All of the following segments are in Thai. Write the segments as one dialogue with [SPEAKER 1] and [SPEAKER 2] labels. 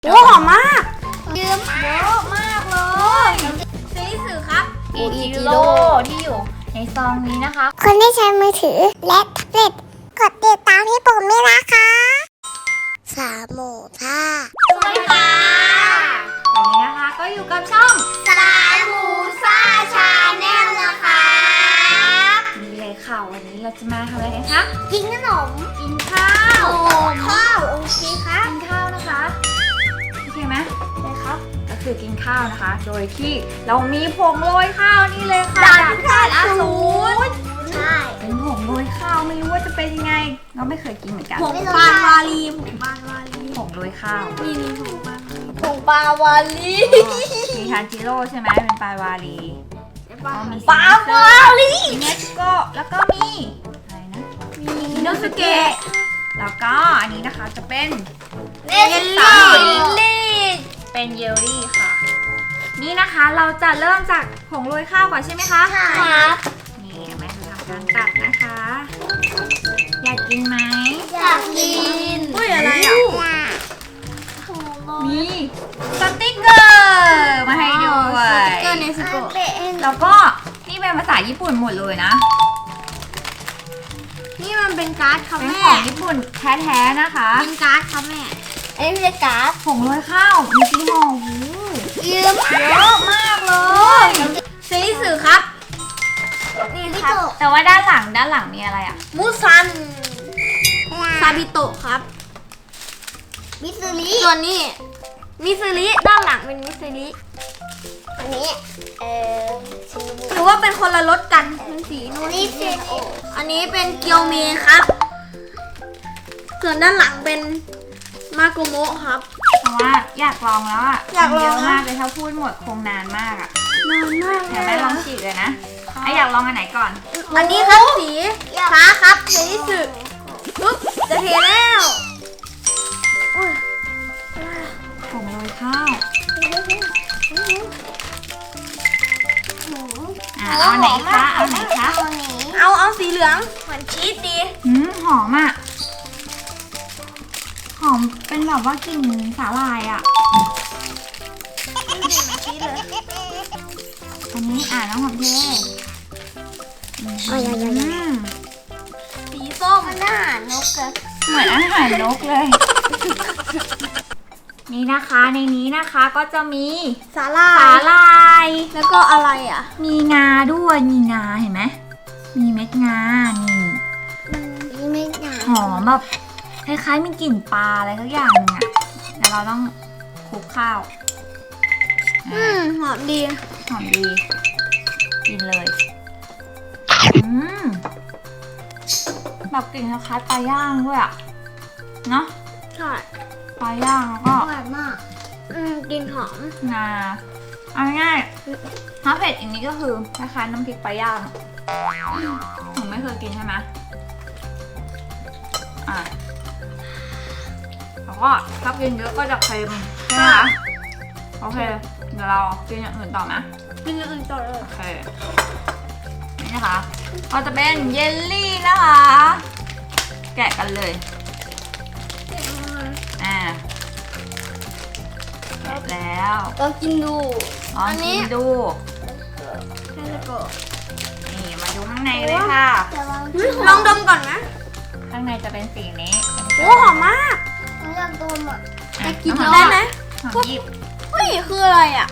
[SPEAKER 1] โอ้หอมมากเยอะมากเลยซีสื่อครับ
[SPEAKER 2] อิจิโร่ที่อยู่ในซองนี้นะคะ
[SPEAKER 3] คนที่ใช้มือถือและแท็บเล็ตกดติดตามให้ผมด้วยนะคะสามหมูท่า
[SPEAKER 2] สวัสดีค่ะวันนี้นะคะก็อยู่กับช่อง
[SPEAKER 3] สามหมูซ่าชาแนลนะคะ
[SPEAKER 2] นี่เลยค่ะวันนี้เราจะมาทำอะไรกันคะ
[SPEAKER 3] กินขนม
[SPEAKER 2] กินข้าว
[SPEAKER 3] ข้าวโอเคครับ
[SPEAKER 2] กินข้าวนะคะโอเคไหม
[SPEAKER 3] เลยครับ
[SPEAKER 2] ก็คือกินข้าวนะคะ โดยที่เรามีผงโรยข้าวนี่เลยค่ะ
[SPEAKER 3] ด่านข้าวอสูรใช่
[SPEAKER 2] เป็นผงโรยข้าวไม่รู้ว่าจะเป็นยังไงเราไม่เคยกินเหมือนกัน
[SPEAKER 1] ผงปานวาลีผงปานวาลี
[SPEAKER 2] ผงโรยข้าว
[SPEAKER 1] นี่ผงปานวาลี
[SPEAKER 3] ผงปลาวาลี
[SPEAKER 2] มีทานจิโร่ใช่ไหมเป็นปลาวาลี
[SPEAKER 1] ปาน
[SPEAKER 2] มี
[SPEAKER 3] ปลาวาลี
[SPEAKER 2] มีเนสโก้แล้วก็มีอะไรนะ
[SPEAKER 1] มิโนสุเกะ
[SPEAKER 2] แล้วก็อันนี้นะคะจะเป็น
[SPEAKER 3] เยล
[SPEAKER 2] สา
[SPEAKER 3] ลี่
[SPEAKER 2] ลี่เป็นเยลลี่ค่ะ นี่นะคะเราจะเริ่มจากผงโรยข้าวก่อนใช่ไหมคะ
[SPEAKER 3] ครับ
[SPEAKER 2] นี่แม่จะทำการตัดนะคะ อยากกินไหม
[SPEAKER 3] อยากกิน
[SPEAKER 1] อุ้ยอะไรอ่ะ
[SPEAKER 2] มีสติ๊กเกอร์มาให้ด้วย
[SPEAKER 1] สติ๊กเกอร์เนสโกะ
[SPEAKER 2] แล้วก็นี่เป็นภาษาญี่ปุ่นหมดเลยนะ
[SPEAKER 1] นี่มันเป็นการ์ดครับ
[SPEAKER 2] เป็น
[SPEAKER 1] แม่
[SPEAKER 2] ของญี่ปุ่นแท้ๆนะคะ
[SPEAKER 1] เป็นการ์ดครับแม่
[SPEAKER 3] อันนี้เป็นการ์ด
[SPEAKER 2] ผงโรยข้าวมีกี่ห่อโอ้โห
[SPEAKER 3] เยอะมาก
[SPEAKER 2] เยอะมากเลย
[SPEAKER 1] ซีสื่อครับ
[SPEAKER 3] นี่ครับ
[SPEAKER 2] แต่ว่าด้านหลังมีอะไรอ่ะ
[SPEAKER 1] มูซันซาบิโตะครับ
[SPEAKER 3] มิสซิลิ
[SPEAKER 1] ส่วนนี้มิสลิด้านหลังเป็นมิสลิ
[SPEAKER 3] อันนี้ชิมู
[SPEAKER 1] หรือว่าเป็นคนละรสกันเป็นสีนู่น
[SPEAKER 3] นี่เซนโอ
[SPEAKER 1] อันนี้เป็นเกียวเมครับ ส่วนด้านหลังเป็นมาโกโมะครับ
[SPEAKER 2] เพราะว่าอยากลองแล้วอ่ะ
[SPEAKER 1] อยากลอง
[SPEAKER 2] เยอะมากเลยถ้าพูดหมดคงนานมากอ่ะ
[SPEAKER 1] นานมาก
[SPEAKER 2] เดี๋ยวแม่ลองฉีกเลยนะไอะอยากลองอันไหนก่อน
[SPEAKER 1] อันนี้ครับสีฟ้าครับในที่สุดปุ๊บจะเทแล้วอุ๊ย
[SPEAKER 2] ผงโรยข้าวเอาไหนคะเอาไหนคะ
[SPEAKER 1] เอาสีเหลืองเหมือนชีสดี
[SPEAKER 2] หอมอ่ะหอมเป็นแบบว่ากลิ่นสาหร่ายอ่ะ
[SPEAKER 1] ชีสเลย
[SPEAKER 2] อันนี้น้องหอมเท
[SPEAKER 1] สีส้ม
[SPEAKER 3] หน้านกอะ
[SPEAKER 2] เหมือนอาหารนกเลย นี่นะคะในนี้นะคะก็จะมี
[SPEAKER 1] สาลา
[SPEAKER 2] สาย ลาย
[SPEAKER 1] แล้วก็อะไรอ่ะ
[SPEAKER 2] มีงาด้วยมีงาเห็นไหมมีเม็ดงานี่
[SPEAKER 3] นี่ไม่หนา
[SPEAKER 2] หอมแบบคล้ายๆมีกลิ่นปลาอะไรสักอย่างนึงอะแต่เราต้องคลุกข้าว
[SPEAKER 1] หอมดี
[SPEAKER 2] หอมดีกินเลยแบบกลิ่นคล้ายๆปลาย่างด้วยอะเนาะ
[SPEAKER 1] ใช่
[SPEAKER 2] ปลาย่างแล้วก็
[SPEAKER 3] หวานมาก
[SPEAKER 1] กลินหอม
[SPEAKER 2] งาเอาง่ายๆถ้าเผ็ดอันนี้ก็คือคล้ายๆน้ำพริกปลาย่างหนูไม่เคยกินใช่ไหมแล้วก็ถ้ากินเยอะก็จะเค็มใช่ไหมคะโอเคเดี๋ยวเรากินอย่างอื่นต่อนะ
[SPEAKER 1] กินอย่างอื่นต่อเลย
[SPEAKER 2] โอเคนี่นะคะก็จะเป็นเยลลี่นะคะ แกะกันเลยแกะแล้ว
[SPEAKER 1] ก็กินดู
[SPEAKER 2] ลองกินดู
[SPEAKER 1] แค่แล้วก็
[SPEAKER 2] นี่มาดูข้างในเลยค่ะ
[SPEAKER 3] แต่ว่า
[SPEAKER 1] ลองดมก่อนนะ
[SPEAKER 2] ข้างในจะเป็นสีนี้
[SPEAKER 1] โอ้หอมมาก
[SPEAKER 3] หนูอยากดมอ่ะ
[SPEAKER 2] อ่ะ
[SPEAKER 1] กิน
[SPEAKER 2] น้อง
[SPEAKER 1] ได้ไหม
[SPEAKER 2] หอมหยิบ
[SPEAKER 1] เฮ้ยคืออะไรอ่ะ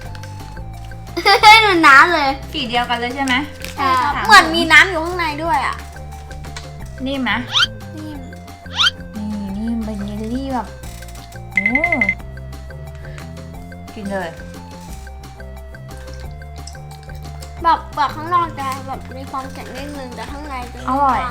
[SPEAKER 3] เหมือนน้ำเลย
[SPEAKER 2] สีเดียวกันเลยใช่ไหม
[SPEAKER 1] ใช่ครับเหมือนมีน้ำอยู่ข้างในด้วยอ่ะ
[SPEAKER 2] นิ่มไหม
[SPEAKER 1] นี่
[SPEAKER 2] นี่เป็นเยลลี่แบบโอ้กินเลย
[SPEAKER 1] แบบข้างนอกจะแบบมีความแข็งนิดนึงแต่ข้างในจะ
[SPEAKER 2] อร่อย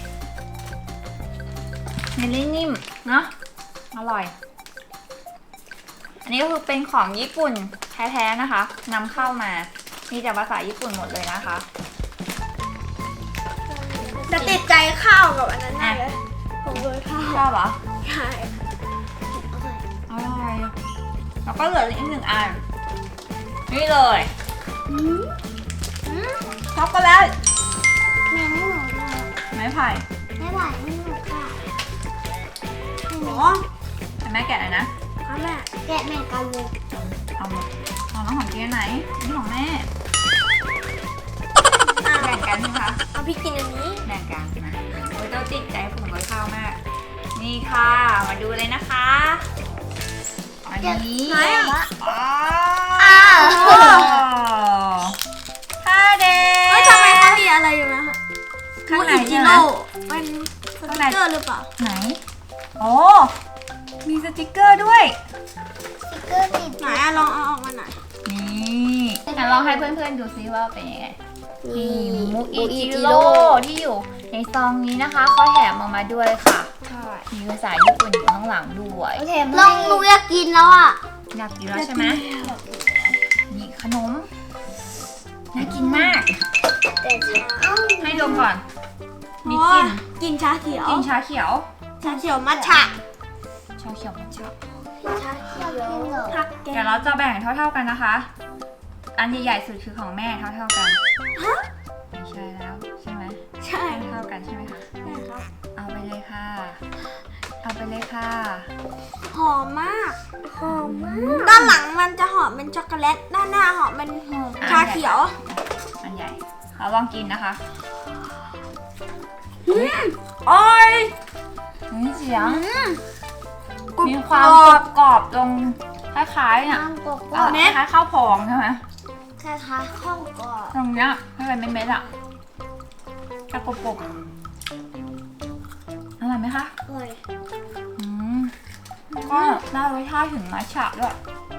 [SPEAKER 2] เยลลี่นิ่มเนาะอร่อย อันนี้ก็คือเป็นของญี่ปุ่นแท้ๆนะคะนำเข้ามามีแต่ภาษาญี่ปุ่นหมดเลยนะคะ
[SPEAKER 1] จะติดใจข้าวกับอันนั้นแน่เลยผมโดยข้าว
[SPEAKER 2] ชอบเหรอ
[SPEAKER 1] ใช่
[SPEAKER 2] อร่อยแล้วก็เหลืออีกหนึ่งอันนี่เลย ช็อกโกแลต
[SPEAKER 3] แม่ไม่หนูเลย
[SPEAKER 2] ไม้ไผ่
[SPEAKER 3] ไม่ไหวไม่หนูค่ะ
[SPEAKER 1] หมอ
[SPEAKER 2] ให้แม่แกะเลยนะ
[SPEAKER 1] คเอาแม่
[SPEAKER 3] แกะแม่กันเลย
[SPEAKER 2] เอาน้องของเจ๊ไหนนี่ของแม่แบ่งกันใช่ไหมคะ
[SPEAKER 1] เอาพี่กินอันนี้
[SPEAKER 2] แบ่งกันนะโอ้ยเราติดใจผงกับข้าวมาก นี่ค่ะมาดูเลยนะคะอันนี้
[SPEAKER 1] ไหนอ่ะ
[SPEAKER 2] อ้าวท่าเด็
[SPEAKER 1] เฮ้ยทำไมเขามีอะไรอยู่นะ
[SPEAKER 2] ข้างใน
[SPEAKER 1] จิ
[SPEAKER 2] ใช่ไหม
[SPEAKER 1] โร่เป็นสติ๊กเกอร์หรือเปล่า
[SPEAKER 2] ไหนโอ้มีสติกเกอร์ด้วย
[SPEAKER 3] สติ๊กเกอร์ติด
[SPEAKER 1] ไหนอะลองเอาออกมาหน่อย
[SPEAKER 2] นี่งั้นลองให้เพื่อนๆดูซิว่าเป็นยังไง นี่มุกอิจิ
[SPEAKER 1] จิ
[SPEAKER 2] โร่ที่อยู่ในซองนี้นะคะเขาแถมมาด้วยค่ะ
[SPEAKER 1] ใช่
[SPEAKER 2] มีภาษาญี่ปุ่นอยู่ข้างหลังด้วย
[SPEAKER 3] โอเคลองหนูอยากกินแล้วอ่ะ
[SPEAKER 2] อยากกินแล้วใช่ไหมนี่ขนมน่ากินมาก
[SPEAKER 3] แต่เอ้า
[SPEAKER 2] ให้ดมก่อน มี
[SPEAKER 1] อ๋
[SPEAKER 2] กลิ่
[SPEAKER 1] อน กินชาเขียว
[SPEAKER 2] กลิ่นชาเขียว
[SPEAKER 1] ชาเขียวมัทฉะ
[SPEAKER 2] ชาเขียวมันชอบ
[SPEAKER 3] ชาเขียวกินเหรอ
[SPEAKER 1] ผักแก
[SPEAKER 2] เดี๋ยวเราจะแบ่งเท่าๆกันนะคะ อันใหญ่ๆสุดคือของแม่เท่าๆกัน
[SPEAKER 1] ฮะ
[SPEAKER 2] ไม่ใช่แล้วใช่ไหม
[SPEAKER 1] ใช่
[SPEAKER 2] เท่ากันใช่ไหมคะ
[SPEAKER 1] ใช่ครับ
[SPEAKER 2] เอาไปเลยค่ะ เอาไปเลยค่ะ
[SPEAKER 1] หอมมากหอมมาก ด้านหลังมันจะหอมเป็นช็อกโกแลต ด้านหน้าหอมเป็นชาเขียว
[SPEAKER 2] อันใหญ่เราลองกินนะคะโอ้ยนี่เสียง
[SPEAKER 1] กรุบ
[SPEAKER 2] มีความ
[SPEAKER 1] กรอบ
[SPEAKER 2] กรอบๆตรงคล้ายๆเนี่ย
[SPEAKER 3] น้ำกบ
[SPEAKER 2] คล้ายๆข้าวพองใช่ไหม
[SPEAKER 3] คล้ายๆข้าวกรอบ
[SPEAKER 2] ตรงเนี้ยให้เป็นเม็ดๆอ่ะกระปุกๆอร่อยไหมคะ
[SPEAKER 3] อร่อย
[SPEAKER 2] อืมก็ได้รสชาติถึงมัทฉะด้วย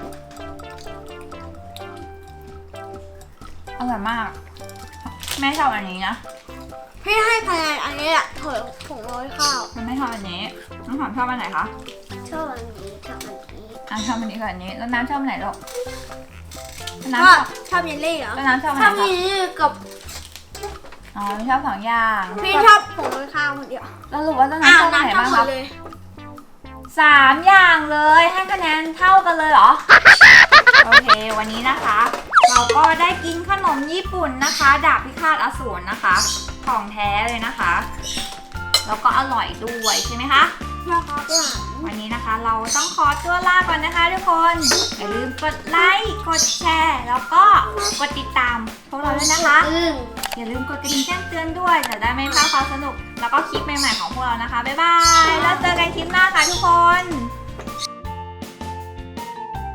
[SPEAKER 2] อร่อยมาก แม่ชอบอันนี้นะ
[SPEAKER 1] พี่ให้คะแนนอันนี้แหละเถอะผงโรยข้าว
[SPEAKER 2] มันไม่ชอบอันนี้น้องหอมชอบอันไหนคะ
[SPEAKER 3] ชอบอันนี้ชอบอันนี้
[SPEAKER 2] อ่ะชอบอันนี้กับอันนี้แล้วน้ำชอบอันไหนลูก
[SPEAKER 1] ช
[SPEAKER 2] น้ำ
[SPEAKER 1] อ
[SPEAKER 2] ช
[SPEAKER 1] บ
[SPEAKER 2] อบ
[SPEAKER 1] ชอบเยลลี่เหรอ
[SPEAKER 2] แล้วน้ำชอบอัน
[SPEAKER 1] ช
[SPEAKER 2] ไห
[SPEAKER 1] อน บ
[SPEAKER 2] คะ
[SPEAKER 1] เยลลี่กับ
[SPEAKER 2] อ๋อไม่ชอบสองอย่าง
[SPEAKER 1] พี่ชอบผงโรยข้าวคนเดียว
[SPEAKER 2] แล้วรู้ว่าแล้ว
[SPEAKER 1] อ้าว
[SPEAKER 2] น้ำชอบอันไหน
[SPEAKER 1] น้ำชอบ
[SPEAKER 2] บ้าง
[SPEAKER 1] หม
[SPEAKER 2] คะ
[SPEAKER 1] ดเลย
[SPEAKER 2] 3 อย่างเลยให้คะแนนเท่ากันเลยเหรอ โอเค วันนี้นะคะ เราก็ได้กินขนมญี่ปุ่นนะคะ ดาบพิฆาตอสูรนะคะ ของแท้เลยนะคะ แล้วก็อร่อยด้วยใช่ไหมคะ
[SPEAKER 1] นะครับ
[SPEAKER 2] วันนี้นะคะเราต้องขอตัวลาก่อนนะคะทุกคน อย่าลืมกดไลค์ กดแชร์ แล้วก็กดติดตามพวกเราด้วยนะคะ อย่าลืมกดกระดิ่งแจ้งเตือนด้วยจะได้ไม่พลาดความสนุก แล้วก็คลิปใหม่ๆของพวกเรานะคะ บ๊ายบาย แล้วเจอกันคลิปหน้าค่ะทุกคน